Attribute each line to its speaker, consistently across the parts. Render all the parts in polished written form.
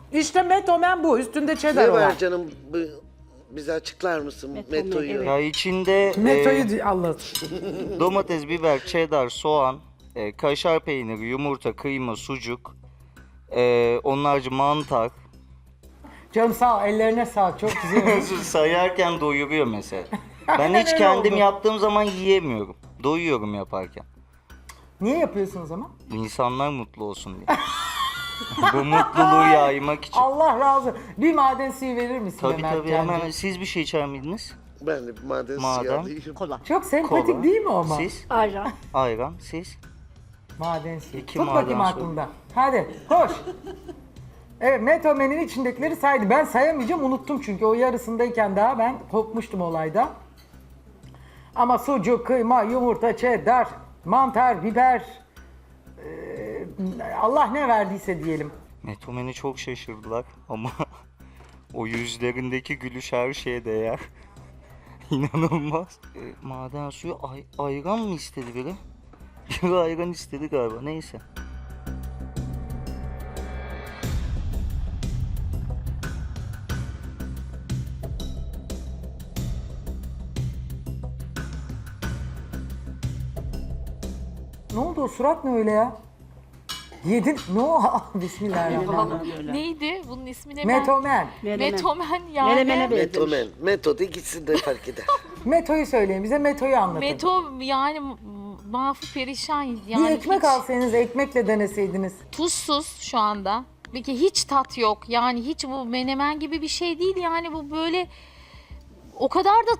Speaker 1: İşte metomen bu. Üstünde cheddar
Speaker 2: Ne
Speaker 1: olan.
Speaker 2: var canım? Bize açıklar mısın Meto'yu?
Speaker 3: evet.
Speaker 4: Ya içinde
Speaker 1: Metoyu Allah.
Speaker 4: domates, biber, cheddar, soğan, kaşar peyniri, yumurta, kıyma, sucuk, onlarca mantar.
Speaker 1: Canım sağ ol. Ellerine sağlık. Çok güzel olmuş.
Speaker 4: Sayarken doyuruyor mesela. Ben
Speaker 1: Aynen
Speaker 4: hiç
Speaker 1: öyle
Speaker 4: kendim
Speaker 1: oldu.
Speaker 4: yaptığım zaman yiyemiyorum. Doyuyorum yaparken.
Speaker 1: Niye yapıyorsun o zaman?
Speaker 4: İnsanlar mutlu olsun diye. Bu mutluluğu yaymak için.
Speaker 1: Allah razı olsun. Bir maden suyu verir misin
Speaker 4: Tabii
Speaker 1: Ömer
Speaker 4: tabii
Speaker 1: Can'cığım?
Speaker 4: hemen. Siz bir şey içer miydiniz?
Speaker 2: Ben de bir maden
Speaker 4: Madem.
Speaker 2: suyu alayım.
Speaker 3: Kola.
Speaker 1: Çok sempatik
Speaker 4: Kola.
Speaker 1: değil mi ama?
Speaker 4: Siz?
Speaker 3: Ayran.
Speaker 4: Ayran. Siz?
Speaker 1: Maden suyu.
Speaker 4: İki
Speaker 1: Tut
Speaker 4: maden
Speaker 1: bakayım
Speaker 4: suyu.
Speaker 1: aklında. Hadi koş. Evet metomenin içindekileri saydı. Ben sayamayacağım unuttum çünkü o yarısındayken daha ben kopmuştum olayda. Ama sucuk, kıyma, yumurta, cheddar, mantar, biber, Allah ne verdiyse diyelim.
Speaker 4: Metomeni çok şaşırdılar ama o yüzlerindeki gülüş her şeye değer. İnanılmaz. Maden suyu ayran mı istedi biri? Biri ayran istedi galiba. Neyse.
Speaker 1: Ne oldu o surat ne öyle ya? Yedin. Ne o? Bismillahirrahmanirrahim.
Speaker 5: Neydi? Bunun ismi ne?
Speaker 1: Metomen.
Speaker 5: Metomen yani.
Speaker 3: Menemene benzemiş.
Speaker 2: Metomen. Meto'da gitsin de fark eder.
Speaker 1: Metoyu söyleyin bize metoyu anlatın.
Speaker 5: Meto yani mahfu perişan yani.
Speaker 1: bir ekmek
Speaker 5: hiç
Speaker 1: alsaydınız ekmekle deneseydiniz.
Speaker 5: tuzsuz şu anda. Peki hiç tat yok. Yani hiç bu menemen gibi bir şey değil yani bu böyle o kadar da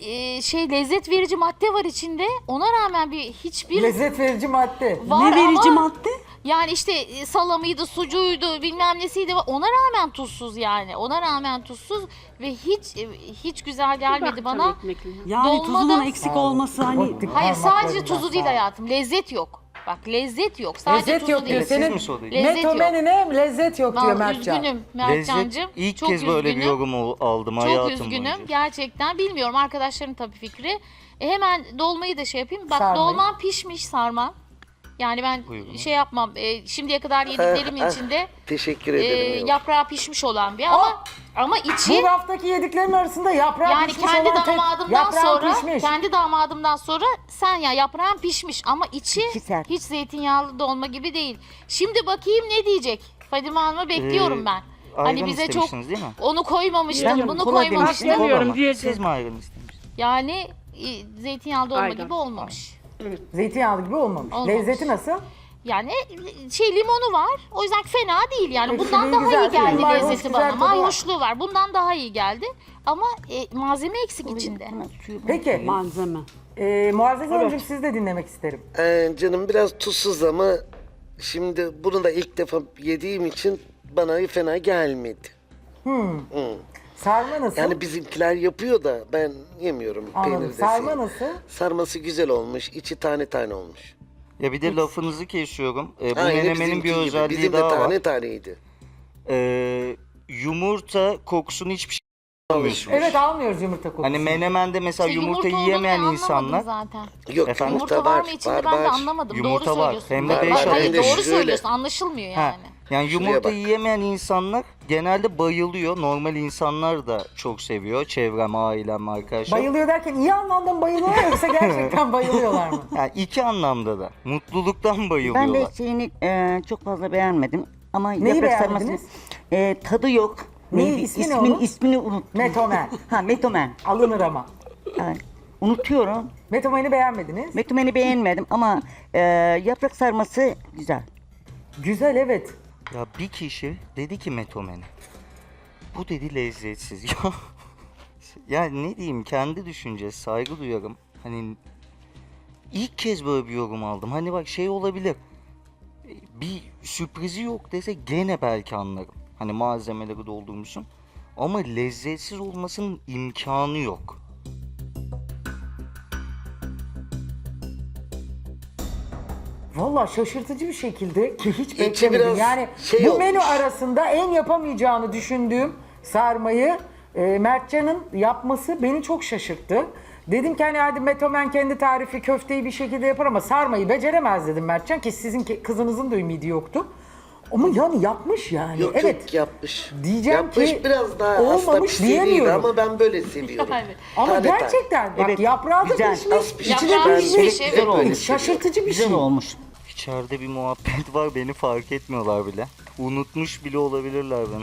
Speaker 5: lezzet verici madde var içinde. Ona rağmen hiçbir
Speaker 1: Lezzet verici madde.
Speaker 5: var
Speaker 3: Ne verici
Speaker 5: ama
Speaker 3: madde?
Speaker 5: yani işte salamıydı, sucuğuydu, bilmem nesiydi. Ona rağmen tuzsuz yani. Ona rağmen tuzsuz ve hiç güzel gelmedi bana.
Speaker 3: Yani
Speaker 5: Dolmada-
Speaker 3: tuzunun eksik olması hani
Speaker 1: Ottik
Speaker 5: Hayır sadece
Speaker 1: parmaklarından
Speaker 5: tuzu değil
Speaker 1: sağ ol.
Speaker 5: hayatım. Lezzet yok. Bak lezzet yok. Sadece
Speaker 1: Lezzet
Speaker 5: tuzu
Speaker 1: yok diyor.
Speaker 5: değil.
Speaker 4: Siz
Speaker 1: Senin
Speaker 4: mi söylediniz?
Speaker 5: Lezzet yok.
Speaker 1: metomenine lezzet yok diyor
Speaker 5: Vallahi
Speaker 1: Mertcan.
Speaker 5: üzgünüm
Speaker 4: Lezzet
Speaker 5: Mertcan'cığım.
Speaker 4: ilk
Speaker 5: Çok
Speaker 4: kez böyle bir
Speaker 5: üzgünüm.
Speaker 4: yorum aldım
Speaker 5: Çok
Speaker 4: hayatım
Speaker 5: üzgünüm.
Speaker 4: boyunca.
Speaker 5: Gerçekten bilmiyorum. Arkadaşların tabii fikri. Hemen dolmayı da şey yapayım. Bak
Speaker 1: Sarmayı.
Speaker 5: dolmam pişmiş sarma. Yani ben
Speaker 4: Buyurun.
Speaker 5: şey yapmam. Şimdiye kadar yediklerimin içinde
Speaker 2: Teşekkür ederim.
Speaker 5: yaprağı pişmiş olan bir ama içi
Speaker 1: Bu raftaki yediklerin arasında yaprağı
Speaker 5: yani
Speaker 1: pişmiş
Speaker 5: kendi
Speaker 1: olan tek
Speaker 5: damadımdan
Speaker 1: yaprağın
Speaker 5: sonra
Speaker 1: pişmiş.
Speaker 5: kendi damadımdan sonra sen ya yaprağın pişmiş ama içi
Speaker 3: İçi sert.
Speaker 5: hiç zeytinyağlı dolma gibi değil. Şimdi bakayım ne diyecek? Fadime Hanım'ı bekliyorum ben. Hani
Speaker 4: Ayran
Speaker 5: bize çok
Speaker 4: istemişsiniz değil mi?
Speaker 5: onu koymamıştım,
Speaker 3: Biliyorum,
Speaker 5: bunu
Speaker 3: kola
Speaker 5: koymamıştım.
Speaker 3: demiştim.
Speaker 4: Kola mı?
Speaker 3: diyeceğim.
Speaker 4: Siz mi ayran istemiştiniz?
Speaker 5: Yani zeytinyağlı dolma
Speaker 3: Ayran.
Speaker 5: gibi olmamış.
Speaker 1: Zeytinyağlı gibi olmamış.
Speaker 5: Olmamış.
Speaker 1: Lezzeti nasıl?
Speaker 5: Yani limonu var. O yüzden fena değil yani.
Speaker 1: Peki,
Speaker 5: Bundan
Speaker 1: iyi,
Speaker 5: daha
Speaker 1: güzel.
Speaker 5: iyi geldi
Speaker 1: Mayhoş,
Speaker 5: lezzeti
Speaker 1: güzel
Speaker 5: bana.
Speaker 1: tadı var.
Speaker 5: Mayhoşluğu var. Bundan daha iyi geldi. Ama malzeme eksik içinde.
Speaker 1: Peki
Speaker 3: malzeme.
Speaker 1: Muazzez Hanımcığım sizi de dinlemek isterim.
Speaker 2: Canım biraz tuzsuz ama şimdi bunu da ilk defa yediğim için bana fena gelmedi.
Speaker 1: Sarma nasıl?
Speaker 2: Yani bizimkiler yapıyor da ben yemiyorum.
Speaker 1: Anladım.
Speaker 2: Peynir
Speaker 1: Sarma
Speaker 2: desin.
Speaker 1: nasıl?
Speaker 2: Sarması güzel olmuş. İçi tane tane olmuş.
Speaker 4: Ya bir de lafınızı kesiyorum. Bu
Speaker 2: Aynı
Speaker 4: menemenin
Speaker 2: bizimki
Speaker 4: bir
Speaker 2: gibi.
Speaker 4: özelliği
Speaker 2: Bizim de
Speaker 4: daha
Speaker 2: tane
Speaker 4: var.
Speaker 2: taneydi.
Speaker 4: Yumurta kokusunu hiçbir şey almıyorsunuz.
Speaker 1: Evet almıyoruz yumurta kokusu.
Speaker 4: Hani menemende mesela
Speaker 5: İşte
Speaker 4: yumurta
Speaker 5: olduğunu
Speaker 4: yiyemeyen
Speaker 5: anlamadım
Speaker 4: insanlar
Speaker 5: zaten.
Speaker 2: Yok
Speaker 4: Efendim?
Speaker 2: yumurta,
Speaker 5: Yumurta var
Speaker 2: var.
Speaker 5: mı içinde
Speaker 2: var,
Speaker 5: ben de
Speaker 2: var.
Speaker 5: anlamadım.
Speaker 4: Yumurta
Speaker 5: doğru
Speaker 4: var.
Speaker 5: söylüyorsun.
Speaker 4: Hem de
Speaker 2: Var,
Speaker 4: beş
Speaker 2: var.
Speaker 5: Hayır
Speaker 2: Hem de
Speaker 5: doğru
Speaker 2: şöyle.
Speaker 5: söylüyorsun. Anlaşılmıyor
Speaker 4: Ha,
Speaker 5: yani.
Speaker 4: yani
Speaker 2: Şuraya
Speaker 4: yumurta
Speaker 2: bak.
Speaker 4: yiyemeyen insanlar genelde bayılıyor. Normal insanlar da çok seviyor. Çevrem, ailem, arkadaşlar.
Speaker 1: Bayılıyor derken iyi anlamda mı bayılıyorlar yoksa gerçekten bayılıyorlar mı?
Speaker 4: Yani iki anlamda da. Mutluluktan
Speaker 6: Ben
Speaker 4: bayılıyorlar.
Speaker 6: de şeyini çok fazla beğenmedim. Ama
Speaker 1: Neyi
Speaker 6: yaprak
Speaker 1: beğenmediniz?
Speaker 6: sarmasının tadı yok.
Speaker 1: Neyi,
Speaker 6: Neydi?
Speaker 1: ismi ne onun?
Speaker 6: İsmini unuttum.
Speaker 1: Metomen.
Speaker 6: Ha metomen.
Speaker 1: Alınır ama.
Speaker 6: Ha, unutuyorum.
Speaker 1: Metomeni beğenmediniz.
Speaker 6: Metomeni beğenmedim ama yaprak sarması güzel.
Speaker 1: Güzel evet.
Speaker 4: Ya bir kişi dedi ki metomene. Bu dedi lezzetsiz. Ya ya ne diyeyim kendi düşüncesi saygı duyarım. Hani ilk kez böyle bir yorum aldım. Hani bak şey olabilir. Bir sürprizi yok dese gene belki anlarım. Hani malzemeleri doldurmuşsun. Ama lezzetsiz olmasının imkanı yok.
Speaker 1: Valla şaşırtıcı bir şekilde ki hiç
Speaker 2: İçi
Speaker 1: beklemedim.
Speaker 2: biraz
Speaker 1: Yani
Speaker 2: şey
Speaker 1: bu
Speaker 2: olmuş.
Speaker 1: menü arasında en yapamayacağını düşündüğüm sarmayı Mertcan'ın yapması beni çok şaşırttı. Dedim ki hani hadi Metomen kendi tarifi köfteyi bir şekilde yapar ama sarmayı beceremez dedim Mertcan ki sizin kızınızın da ümidi yoktu. Ama yani yapmış yani.
Speaker 2: Yok
Speaker 1: evet.
Speaker 2: yok yapmış.
Speaker 1: Diyeceğim
Speaker 2: yapmış
Speaker 1: ki
Speaker 2: biraz daha aslında
Speaker 1: olmamış
Speaker 2: pişiriydi
Speaker 1: diyemiyorum.
Speaker 2: ama ben böyle seviyorum.
Speaker 5: Yani.
Speaker 1: Ama
Speaker 2: Tane tane.
Speaker 1: gerçekten bak
Speaker 6: Evet,
Speaker 1: yaprağı da
Speaker 6: güzel.
Speaker 1: pişmiş,
Speaker 2: Az pişmiş.
Speaker 1: içi de
Speaker 5: Yaprağı
Speaker 1: pişmiş.
Speaker 5: pişmiş, evet.
Speaker 2: Hep böyle seviyorum.
Speaker 1: Şaşırtıcı bir
Speaker 6: Güzel
Speaker 1: şey.
Speaker 6: olmuş.
Speaker 4: İçeride bir muhabbet var, beni fark etmiyorlar bile. Unutmuş bile olabilirler beni.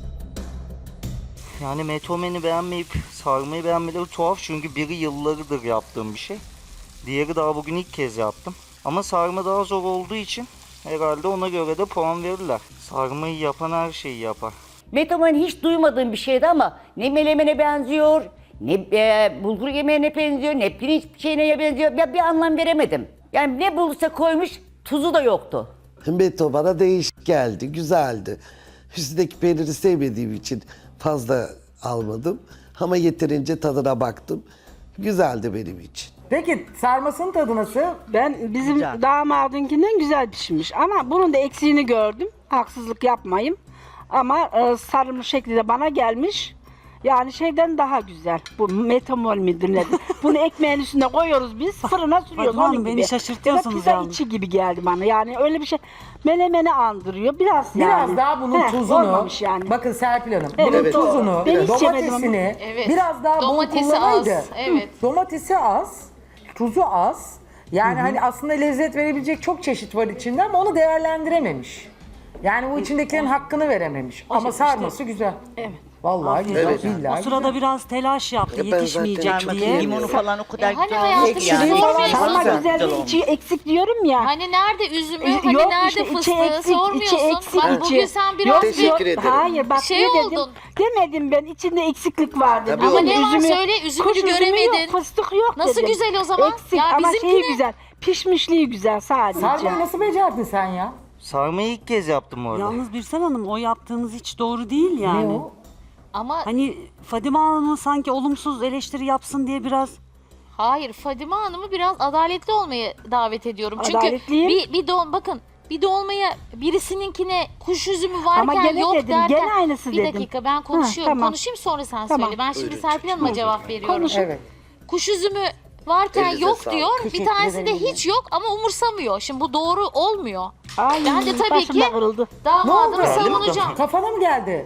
Speaker 4: Yani metomeni beğenmeyip sarmayı beğenmeleri tuhaf çünkü biri yıllardır yaptığım bir şey. Diğeri daha bugün ilk kez yaptım. Ama sarma daha zor olduğu için herhalde ona göre de puan verirler. Sarmayı yapan her şeyi yapar.
Speaker 6: Metomen hiç duymadığım bir şeydi ama ne melemene benziyor, ne bulgur yemeğine benziyor, ne pirinç şeyine benziyor. Ben bir anlam veremedim. Yani ne bulursa koymuş, tuzu da yoktu.
Speaker 2: Beto bana değişik geldi, güzeldi. Üstündeki peyniri sevmediğim için fazla almadım. Ama yeterince tadına baktım. Güzeldi benim için.
Speaker 1: Peki sarmasının tadı nasıl?
Speaker 3: Bizim
Speaker 6: Güzel.
Speaker 3: damadınkinden güzel pişmiş ama bunun da eksiğini gördüm. Haksızlık yapmayayım. Ama sarılmış şekilde bana gelmiş. Yani şeyden daha güzel. Bu metamol midir nedir? Bunu ekmeğin üstüne koyuyoruz biz. Fırına sürüyoruz
Speaker 7: Fatma Hanım,
Speaker 3: onun
Speaker 7: beni
Speaker 3: gibi.
Speaker 7: şaşırtıyorsunuz
Speaker 3: Pizza
Speaker 7: yalnız.
Speaker 3: içi gibi geldi bana. Yani öyle bir şey melemeni andırıyor. Biraz yani.
Speaker 1: Daha bunun
Speaker 3: Heh,
Speaker 1: tuzunu,
Speaker 3: olmamış yani.
Speaker 1: bakın Serpil Hanım,
Speaker 3: Evet,
Speaker 1: bunun
Speaker 3: evet.
Speaker 1: tuzunu,
Speaker 3: Ben hiç yemedim
Speaker 1: domatesini
Speaker 5: Evet.
Speaker 1: biraz daha bol
Speaker 5: Domatesi
Speaker 1: kullanaydı.
Speaker 5: az, evet.
Speaker 1: Domatesi az, tuzu az. Yani hani aslında lezzet verebilecek çok çeşit var içinde ama onu değerlendirememiş. Yani bu içindekilerin hakkını verememiş. Ama sarması güzel.
Speaker 3: Evet.
Speaker 1: Vallahi güzel,
Speaker 2: Evet.
Speaker 1: billahi
Speaker 7: O sırada
Speaker 1: güzel.
Speaker 7: biraz telaş yaptı,
Speaker 2: Ya ben zaten
Speaker 7: yetişmeyecek
Speaker 2: çok
Speaker 7: diye.
Speaker 2: iyi
Speaker 6: Limonu falan o kadar
Speaker 5: Hani
Speaker 6: güzel
Speaker 5: hayatım
Speaker 6: olmuş ki
Speaker 5: siz
Speaker 6: yani.
Speaker 5: sormuyorsunuz.
Speaker 3: Ama
Speaker 6: Güzel
Speaker 3: güzel
Speaker 6: olmuş.
Speaker 3: içi eksik diyorum ya.
Speaker 5: Hani nerede üzümü, hani
Speaker 3: Yok
Speaker 5: nerede
Speaker 3: işte içi
Speaker 5: fıstığı
Speaker 3: eksik, içi
Speaker 5: sormuyorsun.
Speaker 3: eksik.
Speaker 5: Bak bugün sen biraz
Speaker 2: Teşekkür
Speaker 5: bir
Speaker 2: ederim.
Speaker 3: Hayır bak
Speaker 5: şey
Speaker 3: ne dedim?
Speaker 5: oldun.
Speaker 3: Demedim ben içinde eksiklik var dedim.
Speaker 2: Tabii
Speaker 5: Ama
Speaker 2: oldu.
Speaker 5: ne var söyle, üzümünü
Speaker 3: kuş üzümü
Speaker 5: göremedin.
Speaker 3: yok, fıstık yok
Speaker 5: Nasıl
Speaker 3: dedim.
Speaker 5: güzel o zaman?
Speaker 3: Eksik
Speaker 5: Ya
Speaker 3: ama
Speaker 5: bizimkine-
Speaker 3: şeyi güzel. Pişmişliği güzel sadece.
Speaker 1: Sarmayı nasıl becerdin sen ya?
Speaker 4: Sarmayı ilk kez yaptım orada.
Speaker 7: Yalnız Birsel Hanım, o yaptığınız hiç doğru değil yani.
Speaker 1: Ne o?
Speaker 5: Ama
Speaker 7: Hani Fadime Hanım'ın sanki olumsuz eleştiri yapsın diye biraz...
Speaker 5: hayır, Fadime Hanım'ı biraz adaletli olmaya davet ediyorum. Çünkü
Speaker 3: Adaletliyim.
Speaker 5: bakın bir dolmaya birisininkine kuş üzümü
Speaker 3: Ama
Speaker 5: varken
Speaker 3: gene
Speaker 5: yok
Speaker 3: dedim,
Speaker 5: derken
Speaker 3: gene aynısı
Speaker 5: bir
Speaker 3: dedim.
Speaker 5: dakika ben konuşuyorum.
Speaker 3: tamam.
Speaker 5: Konuşayım sonra sen
Speaker 3: Tamam.
Speaker 5: söyle. Ben şimdi
Speaker 2: Buyurun.
Speaker 5: Serpil Hanım'a cevap veriyorum.
Speaker 3: Konuşun.
Speaker 1: Evet.
Speaker 5: Kuş üzümü varken
Speaker 2: Elinize
Speaker 5: yok
Speaker 2: sağlık.
Speaker 5: diyor. Bir
Speaker 6: Teşekkür
Speaker 5: tanesinde
Speaker 6: ederim.
Speaker 5: hiç yok ama umursamıyor. Şimdi bu doğru olmuyor.
Speaker 3: Ay,
Speaker 5: Ben de tabii
Speaker 3: başım da
Speaker 5: ki
Speaker 3: kırıldı.
Speaker 5: damadımı
Speaker 1: Ne oldu?
Speaker 5: savunacağım.
Speaker 1: Kafana mı geldi?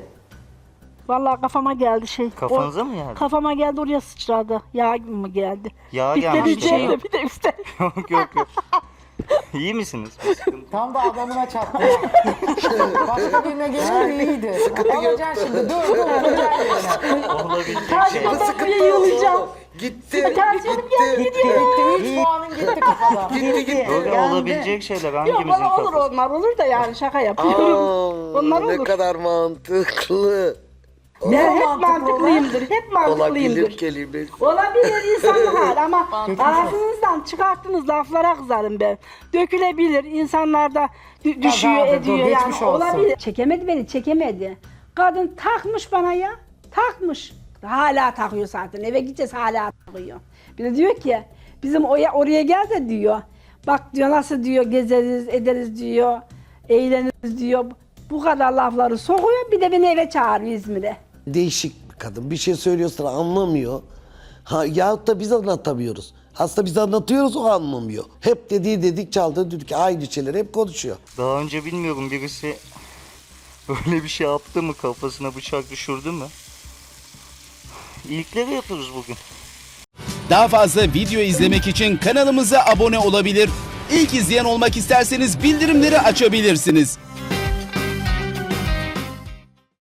Speaker 3: Vallahi kafama geldi şey.
Speaker 4: Kafanıza mı geldi?
Speaker 3: Kafama geldi oraya sıçradı. Yağ gibi mi geldi?
Speaker 4: Yağ
Speaker 3: Bitleri
Speaker 4: gelmiş.
Speaker 7: bir şey
Speaker 3: üzerinde,
Speaker 7: yok.
Speaker 3: bir de üstte.
Speaker 4: Yok yok yok. İyi misiniz? Bir sıkıntı.
Speaker 1: Tam da adamına çattı. Başka birine gelirdi iyiydi. Alacaksın şimdi. Dur yerine.
Speaker 4: Olabilecek şey.
Speaker 3: Karşıma buraya yığılacağım.
Speaker 2: Gitti.
Speaker 3: Tansiyonum geldi
Speaker 2: Gitti.
Speaker 3: gidiyor.
Speaker 1: Gitti 3 puanın gitti kafada.
Speaker 2: Gitti gitti.
Speaker 4: Böyle olabilecek şeyler
Speaker 3: Yok
Speaker 4: hangimizin
Speaker 3: bana olur
Speaker 4: kafası?
Speaker 3: onlar olur da yani şaka yapıyorum. Onlar
Speaker 2: Ne
Speaker 3: olur.
Speaker 2: kadar mantıklı.
Speaker 3: Ben hep
Speaker 1: mantıklı olan?
Speaker 3: mantıklıyımdır. Hep
Speaker 2: Olabilir
Speaker 3: mantıklıyımdır.
Speaker 2: kelimesi.
Speaker 3: Olabilir insan hal ama
Speaker 1: Geçmiş
Speaker 3: ağzınızdan çıkarttığınız laflara kızarım ben. Dökülebilir, insanlar da düşüyor
Speaker 1: Kazadır,
Speaker 3: ediyor
Speaker 1: dur,
Speaker 3: yani
Speaker 1: geçmiş olsun.
Speaker 3: olabilir. Çekemedi beni, çekemedi. Kadın takmış bana ya, takmış. Hala takıyor zaten, eve gideceğiz hala takıyor. Bir de diyor ki, bizim oraya gel de diyor. Bak diyor nasıl diyor gezeriz, ederiz diyor, eğleniriz diyor. Bu kadar lafları sokuyor, bir de beni eve çağırıyor İzmir'e.
Speaker 2: Değişik bir kadın. Bir şey söylüyorsa anlamıyor. Yahut da biz anlatamıyoruz. Aslında biz anlatıyoruz, o anlamıyor. Hep dediği dedik, çaldığı düdük. Aynı şeyleri hep konuşuyor.
Speaker 4: Daha önce bilmiyorum birisi böyle bir şey yaptı mı, kafasına bıçak düşürdü mü? İlkleri yapıyoruz bugün.
Speaker 8: Daha fazla video izlemek için kanalımıza abone olabilir. İlk izleyen olmak isterseniz bildirimleri açabilirsiniz.